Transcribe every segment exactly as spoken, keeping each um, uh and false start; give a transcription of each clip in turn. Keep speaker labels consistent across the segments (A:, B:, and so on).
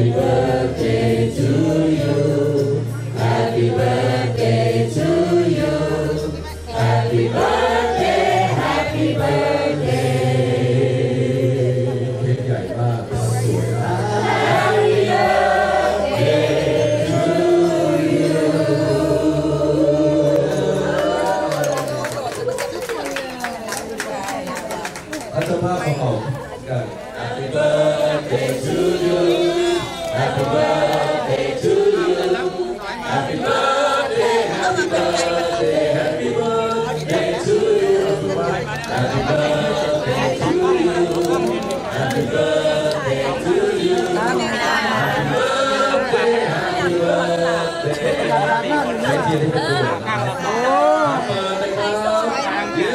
A: Happy birthday to you Happy birthday to you Happy birthday Happy birthday เค้กใหญ่มากสวยมาก Happy birthday to you ถ้าเจ้าภาพเขาออกกัน Happy birthday to you Happy birthday to you Happy birthday Happy birthday Happy birthday to you Happy birthday to you Happy birthday to you Happy birthday Happy birthday ให้เทียนให้เป็นตัวนะครับเปิดเลยครับเย้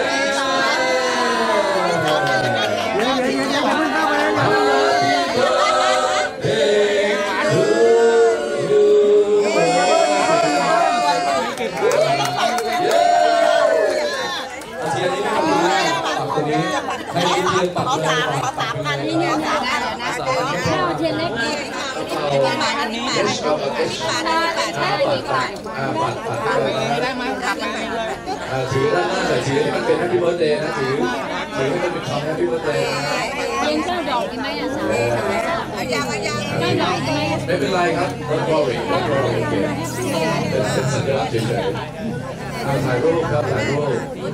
A: ให้เทียนปักเลย
B: ขอสามอันนี่เนี่ยสามอันนะข้าวเทียนเล็กนี่นี่บาทนี่บาทนี่บาทนี่บาทนี่บาท
A: ปัดปัดได้ไหมปัดไปเลยถือด้านหน้าแต่ถือให้มันเป็น Happy Birthday นะถือถือให้มันเป็นคำ Happy Birthday
B: เทียนเจ้าดอกกินไหมอ่ะสาวยังยังไม่ดอกใช่ไหม
A: ไม่เป็นไรครับ Don't worry Don't worry เป็นเป็นสัญลักษณ์เฉยๆถ่ายรูปครับถ่ายรูป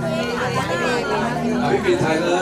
A: พี่ปีถ่ายเล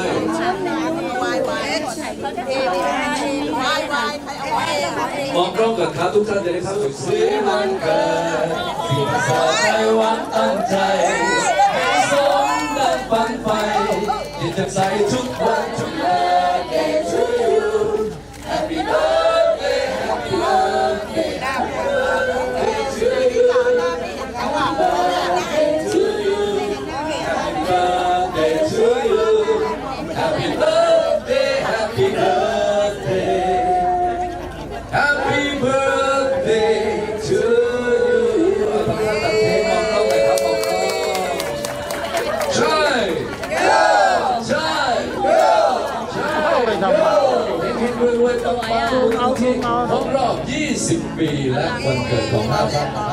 A: มองกล้องกันครับทุกท่านจะได้ครับสีมันเกิดสิ่งสาใจหวังตั้งใจให้สมดังฝันไฟที่จะใส่ทุกวันทุก Birthday to you Happy birthday Happy birthday Happy birthday to you Happy birthday to you Happy birthday to you Happy birthday Happy birthday Happy birthday to you ต้องการตัดเพลงมองกล้องเลยครับมองกล้องใช่ใช่ใช่เพลงรวยๆปังๆทุกทีครบรอบยี่สิบปีและวันเกิดของเราครับ